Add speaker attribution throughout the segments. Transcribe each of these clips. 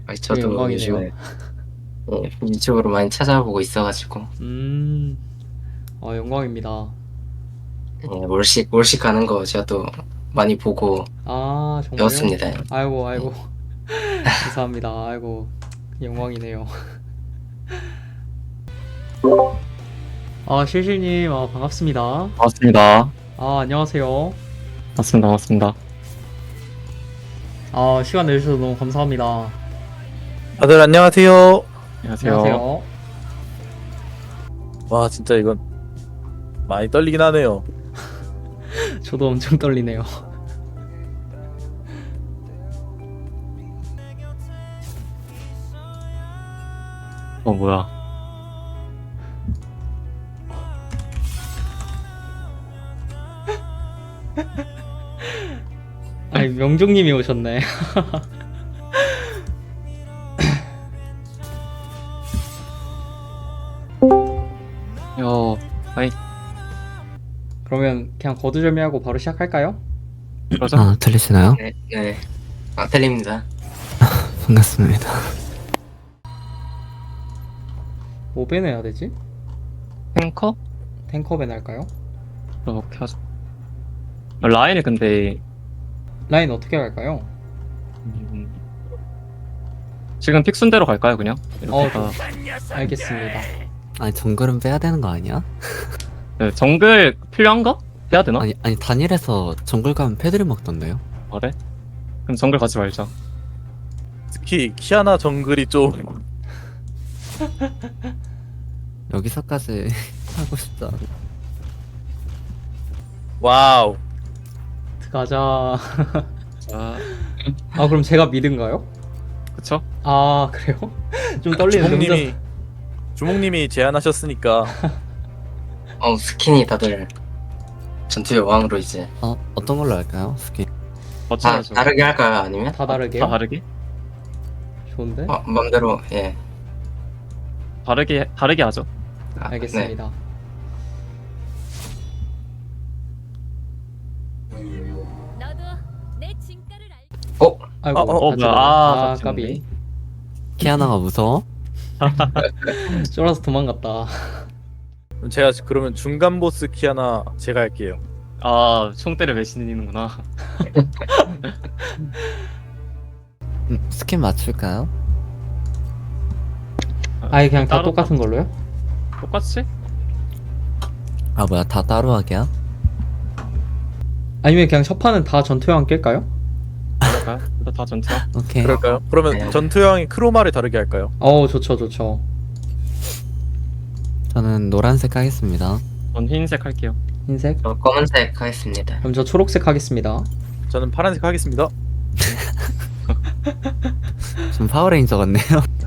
Speaker 1: 되게
Speaker 2: 저도
Speaker 1: 영광이네요.
Speaker 2: 요즘에 유튜브로 많이 찾아보고 있어가지고
Speaker 1: 음, 영광입니다.
Speaker 2: 몰식 가는 거 제가 또 많이 보고
Speaker 1: 아, 정말요?
Speaker 2: 배웠습니다.
Speaker 1: 아이고,
Speaker 2: 예.
Speaker 1: 아이고. 감사합니다. 아이고, 영광이네요. 실실님, 반갑습니다.
Speaker 3: 반갑습니다.
Speaker 1: 안녕하세요.
Speaker 3: 반갑습니다. 반갑습니다.
Speaker 1: 시간 내주셔서 너무 감사합니다.
Speaker 4: 다들 안녕하세요.
Speaker 3: 안녕하세요.
Speaker 1: 안녕하세요.
Speaker 4: 와 진짜 이건 많이 떨리긴 하네요.
Speaker 1: 저도 엄청 떨리네요.
Speaker 3: 뭐야.
Speaker 1: 아니, 명종님이 오셨네.
Speaker 3: 아이,
Speaker 1: 그러면 그냥 거두절미하고 바로 시작할까요?
Speaker 3: 그러자.
Speaker 5: 들리시나요?
Speaker 2: 네, 네. 틀립니다.
Speaker 5: 반갑습니다.
Speaker 1: 뭐 밴해야 되지?
Speaker 3: 탱커?
Speaker 1: 탱커 밴 할까요?
Speaker 3: 그렇게 하자. 라인이 근데,
Speaker 1: 라인 어떻게 갈까요?
Speaker 3: 음, 지금 픽 순대로 갈까요, 그냥? 이렇게 가.
Speaker 1: 알겠습니다.
Speaker 5: 아니 정글은 빼야 되는 거 아니야?
Speaker 3: 네, 정글 필요한가? 해야 되나?
Speaker 5: 아니 단일에서 정글 가면 패드립 먹던데요?
Speaker 3: 그래? 그럼 정글 가지 말자.
Speaker 4: 특히 키아나 정글이 좀
Speaker 5: 여기서까지 하고 싶지 않아.
Speaker 4: 와우.
Speaker 1: 가자.
Speaker 3: 자,
Speaker 1: 그럼 제가 미드인가요?
Speaker 3: 그쵸?
Speaker 1: 그래요? 좀 떨리는데
Speaker 4: 주목님이 제안하셨으니까
Speaker 2: 스킨이 다들 전투의 왕으로 이제
Speaker 5: 어떤 걸로 할까요? 스킨.
Speaker 3: 어쩌죠?
Speaker 2: 다르게 할까요? 아니면
Speaker 1: 다 다르게요?
Speaker 3: 다 다르게?
Speaker 1: 좋은데?
Speaker 2: 맘대로
Speaker 3: 다르게 하죠.
Speaker 2: 네.
Speaker 1: 알겠습니다.
Speaker 6: 너도 내 진가를 알.
Speaker 1: 아이고,
Speaker 4: 어,
Speaker 1: 다
Speaker 3: 뭐야.
Speaker 1: 죽었네. 까비.
Speaker 5: 키아나가 무서워?
Speaker 1: 쫄아서 도망갔다.
Speaker 4: 제가 그러면 중간 보스 키아나 제가 할게요.
Speaker 3: 총대를 매시는구나.
Speaker 5: 스킨 맞출까요?
Speaker 1: 아예 그냥 다
Speaker 3: 따로
Speaker 1: 똑같은 걸로요?
Speaker 3: 똑같이?
Speaker 5: 아 뭐야 다 따로 하기야?
Speaker 1: 아니면 그냥 첫 판은 다 전투형 낄까요?
Speaker 3: 그럴까요? 일단 다 전투야.
Speaker 5: 오케이.
Speaker 4: 그럴까요? 그러면
Speaker 2: 네.
Speaker 4: 전투형이 크로마를 다르게 할까요?
Speaker 1: 좋죠, 좋죠.
Speaker 5: 저는 노란색 하겠습니다.
Speaker 3: 전 흰색 할게요.
Speaker 1: 흰색?
Speaker 2: 저 검은색 하겠습니다.
Speaker 1: 그럼 저 초록색 하겠습니다.
Speaker 4: 저는 파란색 하겠습니다.
Speaker 5: 좀 파워레인저 같네요.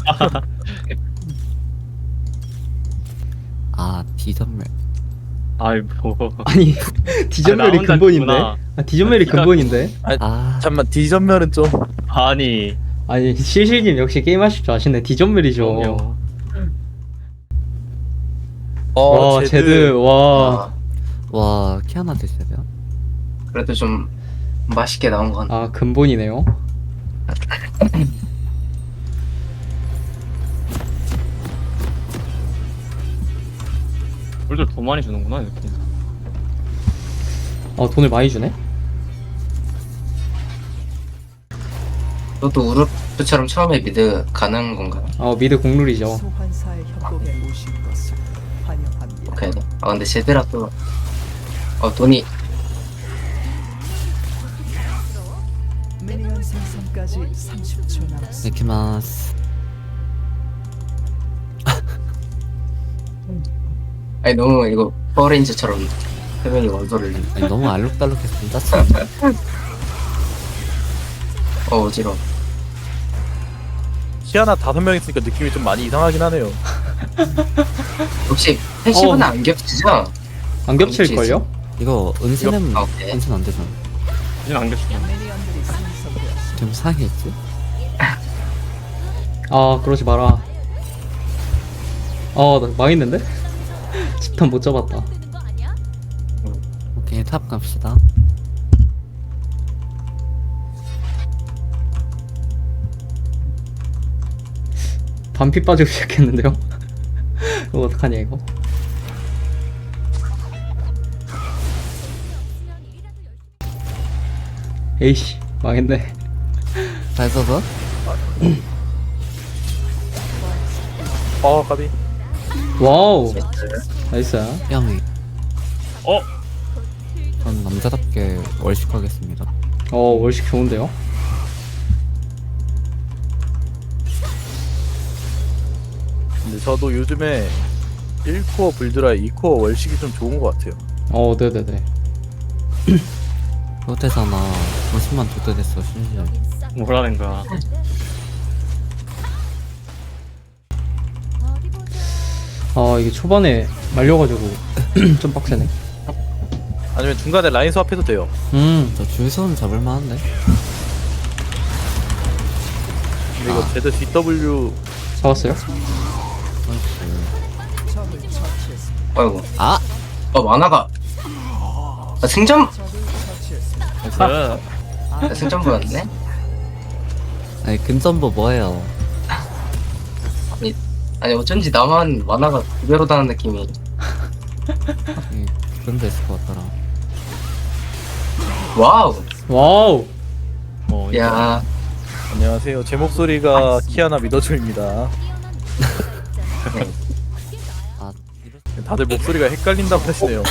Speaker 5: 디전멸.
Speaker 3: 아이고.
Speaker 1: 아니, 디전멸이
Speaker 3: 혼자
Speaker 1: 근본인데?
Speaker 3: 있구나.
Speaker 1: 디전멸이 근본인데?
Speaker 4: 잠만 디전멸은 좀
Speaker 3: 아니.
Speaker 1: 아니, 실실님 역시 게임하실 줄 아시네. 디전멸이죠.
Speaker 3: 그럼요.
Speaker 1: 와, 제드, 와.
Speaker 5: 와 키아나 드셔요?
Speaker 2: 그래도 좀 맛있게 나온 건
Speaker 1: 근본이네요.
Speaker 3: 물들 더 많이 주는구나, 이렇게.
Speaker 1: 돈을 많이 주네?
Speaker 2: 저도 우르프처럼 처음에 미드 가는 건가요?
Speaker 1: 미드 공룰이죠.
Speaker 7: 소환사의 협곡에 오신 것을 환영합니다.
Speaker 2: 오케이. 근데 제드라 또 돈이
Speaker 7: 미니언 생성까지 30초 남았습니다.
Speaker 5: 이키마스.
Speaker 2: 아니 너무 이거 파워레인저처럼 세 명이 원소를
Speaker 5: 아니 너무 알록달록해서 좀 짜증나.
Speaker 2: 어지러워.
Speaker 4: 키아나 5명 있으니까 느낌이 좀 많이 이상하긴 하네요.
Speaker 2: 혹시 패시브는 안 겹치죠?
Speaker 1: 안 겹칠걸요?
Speaker 5: 이거 은신은
Speaker 2: 오케이.
Speaker 5: 은신 안 되잖아.
Speaker 3: 이제 안 계시네.
Speaker 7: 미니언들이 생성되었습니다.
Speaker 5: 좀 상했지?
Speaker 1: 그러지 마라. 나 망했는데? 집탄 못 잡았다.
Speaker 6: 뜨는 거 아니야?
Speaker 5: 오케이 탑 갑시다.
Speaker 1: 반피 빠지고 시작했는데요? 이거 어떡하냐 이거? 에이씨 망했네.
Speaker 5: 잘 써서?
Speaker 4: 까비.
Speaker 1: 와우 나이스.
Speaker 5: 뺨이.
Speaker 3: 어?
Speaker 5: 전 남자답게 월식하겠습니다.
Speaker 1: 월식 좋은데요?
Speaker 4: 근데 저도 요즘에 1코어 불드라 2코어 월식이 좀 좋은 것 같아요.
Speaker 1: 네네네.
Speaker 5: 호텔사나 50만 도대됐어 심지어.
Speaker 3: 뭐라는 거야.
Speaker 1: 이게 초반에 말려가지고 좀 빡세네.
Speaker 4: 아니면 중간에 라인 스왑해도 돼요.
Speaker 5: 저 줄선 잡을만한데?
Speaker 4: 근데 이거 제드 DW
Speaker 1: 잡았어요?
Speaker 5: 나이스.
Speaker 7: 적을 처치했습니다.
Speaker 2: 아이고.
Speaker 5: 아!
Speaker 2: 만화가. 승전?
Speaker 7: 적을 처치했습니다.
Speaker 3: 나이스.
Speaker 2: 승전보였네?
Speaker 5: 아니 근전보 뭐예요?
Speaker 2: 아니, 어쩐지 나만 만화가 두 배로 다는 느낌이.
Speaker 5: 아니, 그런 데 있을 것 같더라.
Speaker 2: 와우.
Speaker 1: 와우.
Speaker 2: 야,
Speaker 4: 안녕하세요. 제 목소리가 키아나 믿어줘입니다.
Speaker 5: 아, 이럴
Speaker 4: 다들 목소리가 헷갈린다고 하시네요.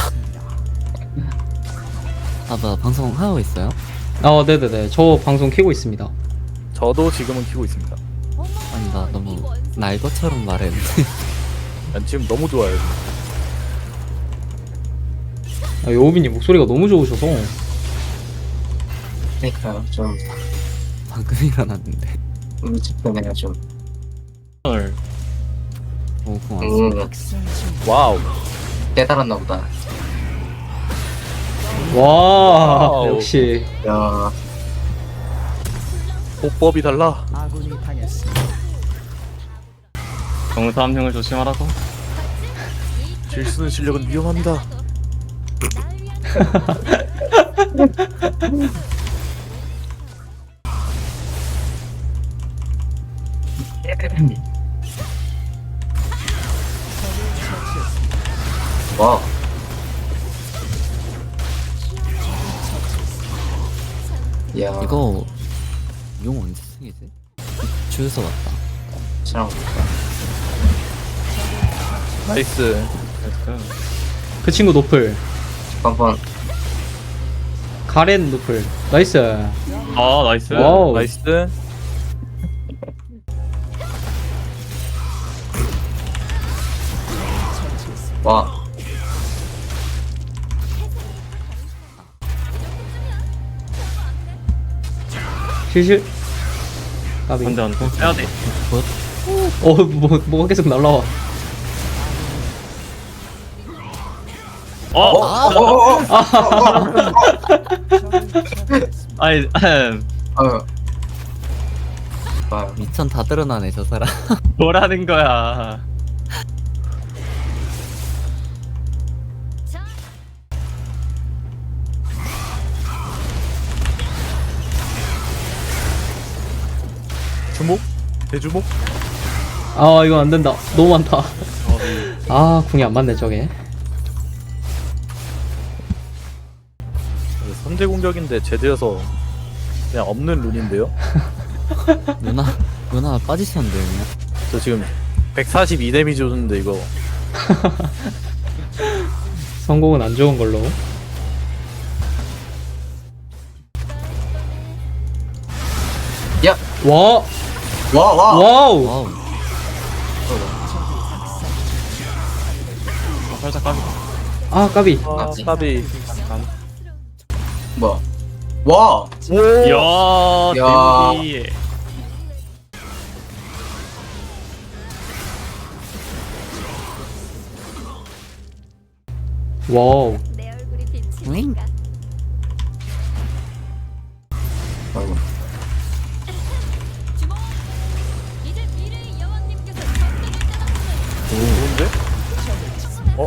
Speaker 5: 나 방송 하고 있어요?
Speaker 1: 네네네. 저 방송 키고 있습니다.
Speaker 4: 저도 지금은 키고 있습니다.
Speaker 5: 아니 나 너무 날 것처럼 말했는데.
Speaker 4: 난 지금 너무 좋아요.
Speaker 1: 여우빈님 목소리가 너무 좋으셔서.
Speaker 2: 그러니까요. 좀,
Speaker 5: 방금 일어났는데.
Speaker 2: 우직하네요, 좀.
Speaker 3: 헐.
Speaker 5: 오 고맙습니다.
Speaker 4: 와우.
Speaker 2: 깨달았나 보다.
Speaker 1: 와
Speaker 4: 와우.
Speaker 1: 역시.
Speaker 2: 야,
Speaker 4: 호법이 달라.
Speaker 7: 아군이 당했습니다.
Speaker 3: 정사 한 명을 조심하라고.
Speaker 4: 질 쓰는 실력은 위험합니다.
Speaker 2: 와. 야,
Speaker 5: 이거 용 언제 쓰기지? 주유소 왔다.
Speaker 2: 사랑.
Speaker 4: 나이스.
Speaker 3: 나이스.
Speaker 1: 그 친구 노플.
Speaker 2: 한번
Speaker 1: 가렌 노플. 나이스.
Speaker 3: 아 나이스.
Speaker 1: 와우.
Speaker 4: 나이스.
Speaker 2: 와.
Speaker 1: 실실. 까비.
Speaker 3: 안돼 안돼. 빼야 돼.
Speaker 1: 뭐가 계속 날라와.
Speaker 7: 적을 처치했습니다.
Speaker 3: 아니
Speaker 2: 아유. 와.
Speaker 5: 미천 다 드러나네 저 사람.
Speaker 3: 뭐라는 거야.
Speaker 4: 주목? 대주목?
Speaker 1: 이거 안 된다. 너무 많다. 궁이 안 맞네 저게.
Speaker 4: 선제 공격인데 제드여서 그냥 없는 룬인데요?
Speaker 5: 누나 빠지셨는데 그냥.
Speaker 4: 저 지금 142 데미지 줬는데 이거
Speaker 1: 성공은 안 좋은 걸로.
Speaker 2: 야,
Speaker 1: 와. 와우.
Speaker 5: 와우.
Speaker 3: 살짝 까비.
Speaker 1: 까비.
Speaker 4: 아 까비.
Speaker 2: 뭐야? 와.
Speaker 4: 오!
Speaker 3: 야.
Speaker 2: 야.
Speaker 3: 데뷔.
Speaker 1: 와우.
Speaker 6: 내 얼굴이
Speaker 5: 응?
Speaker 6: 비치니까.
Speaker 2: 아이고.
Speaker 6: 주목. 이제 미래의 여왕님께서 전쟁을 떠났으면
Speaker 4: 좋은데? 어?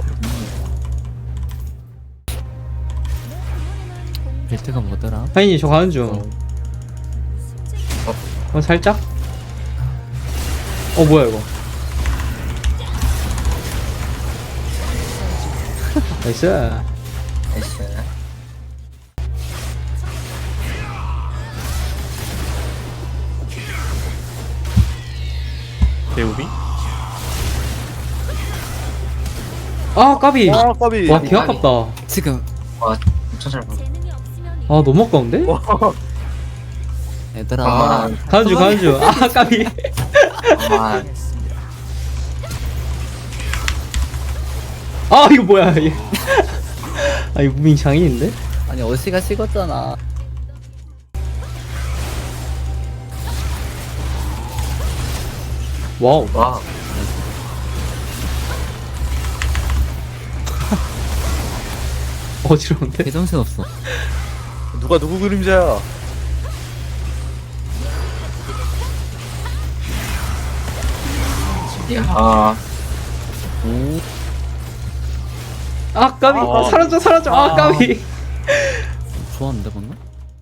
Speaker 5: 빌트가 뭐더라?
Speaker 1: 하인이 저 가는 중. 살짝? 뭐야 이거? 나이스.
Speaker 2: 나이스.
Speaker 3: 대우비?
Speaker 1: 아 까비.
Speaker 4: 아 까비.
Speaker 1: 와 개 아깝다.
Speaker 5: 지금
Speaker 2: 와 진짜 잘 봐.
Speaker 6: 재능이 없으면
Speaker 1: 아 너무 아까운데?
Speaker 5: 얘들아
Speaker 2: 아,
Speaker 1: 가는 중. 아 까비.
Speaker 2: 아,
Speaker 1: 아 이거 뭐야 얘. 아 이거 무빙 장인인데?
Speaker 5: 아니 어시가 식었잖아.
Speaker 1: 와우.
Speaker 2: 와.
Speaker 1: 어지러운데?
Speaker 5: 개정신 없어.
Speaker 4: 누가 누구 그림자야?
Speaker 2: 야.
Speaker 1: 아 까비.
Speaker 3: 아.
Speaker 1: 사라져. 아 까비.
Speaker 5: 좋았는데 방금?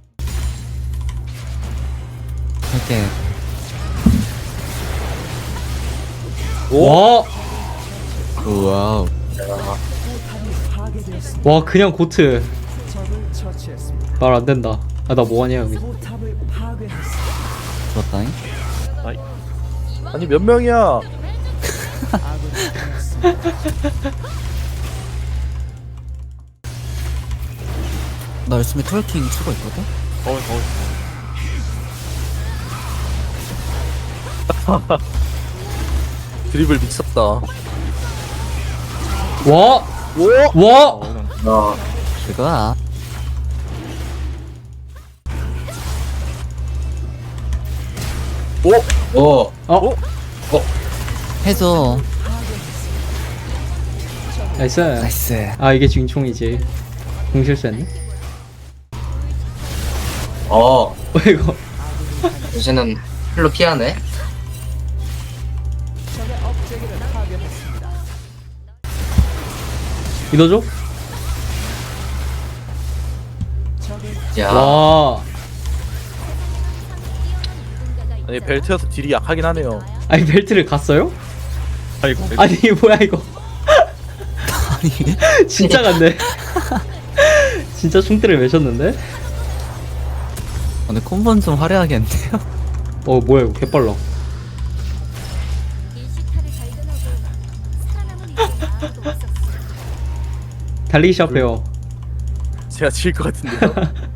Speaker 5: 이렇게
Speaker 1: 와.
Speaker 5: 와우.
Speaker 7: 파괴되었습니다.
Speaker 1: 와 그냥 고트.
Speaker 7: 적을 처치했습니다.
Speaker 1: 말 안 된다. 아 나 뭐하냐 여기.
Speaker 7: 포탑을 파괴했습니다.
Speaker 5: 좋았다잉.
Speaker 4: 아니 몇 명이야?
Speaker 7: 아군이 당했습니다.
Speaker 5: 나 열심히 트월킹 치고 있거든?
Speaker 4: 드리블 미쳤다.
Speaker 1: 와. 와.
Speaker 2: 야.
Speaker 5: 그거야.
Speaker 2: 오.
Speaker 1: 어.
Speaker 5: 해줘.
Speaker 1: 나이스.
Speaker 5: 나이스.
Speaker 1: 아 이게 중총이지. 공실수했네.
Speaker 2: 어.
Speaker 1: 이거.
Speaker 2: 요새는 풀로 피하네.
Speaker 7: 적의 업체계를 파괴했습니다.
Speaker 1: 믿어줘?
Speaker 7: 적을
Speaker 2: 야.
Speaker 1: 와.
Speaker 4: 아니 벨트여서 딜이 약하긴 하네요.
Speaker 1: 아니 벨트를 갔어요?
Speaker 3: 아이고.
Speaker 1: 아니 뭐야 이거.
Speaker 5: 아니
Speaker 1: 진짜 갔네. 진짜 충대를 매셨는데?
Speaker 5: 오늘 콤보는 좀 화려하겠는데요?
Speaker 1: 어 뭐야 이거 개빨라.
Speaker 6: 일시타를 발견하고 살아남은 이들은 아무도 없었어.
Speaker 1: 달리기 시합해요.
Speaker 4: 제가 질 것 같은데요.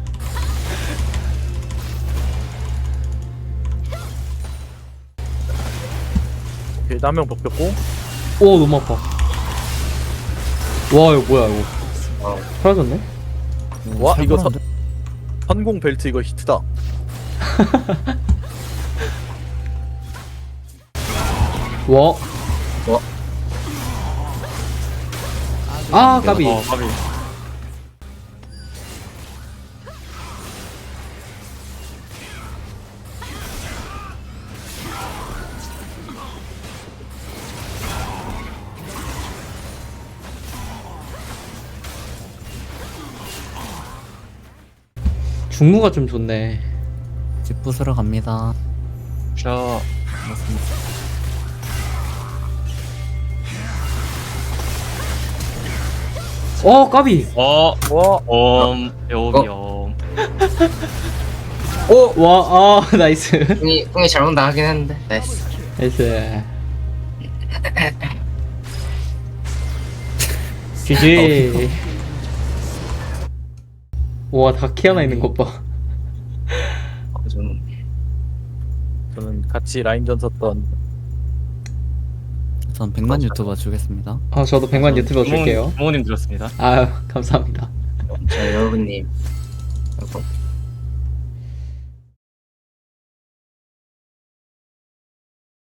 Speaker 4: 오케이 한명 벗겼고.
Speaker 1: 오 너무 아파. 와 이거 뭐야 이거.
Speaker 2: 어.
Speaker 1: 사라졌네?
Speaker 4: 와 이거
Speaker 5: 살벌한데?
Speaker 4: 선공 벨트 이거 히트다.
Speaker 1: 와. 아 까비.
Speaker 3: 까비.
Speaker 1: 중무가 좀 좋네.
Speaker 5: 집 부수러 갑니다.
Speaker 3: 자,
Speaker 1: 어 까비.
Speaker 4: 와.
Speaker 3: 배우비
Speaker 2: 오.
Speaker 1: 와 아 나이스.
Speaker 2: 꿍이 잘못 나가긴 했는데. 나이스.
Speaker 1: 나이스. GG. 와 다키 하나 있는 것 봐.
Speaker 4: 저는 같이 라인전 섰던
Speaker 5: 전 100만 유튜버 주겠습니다.
Speaker 1: 아 저도 100만 유튜버 줄게요.
Speaker 3: 부모님 들었습니다.
Speaker 1: 아유 감사합니다.
Speaker 2: 자 여러분님. 그리고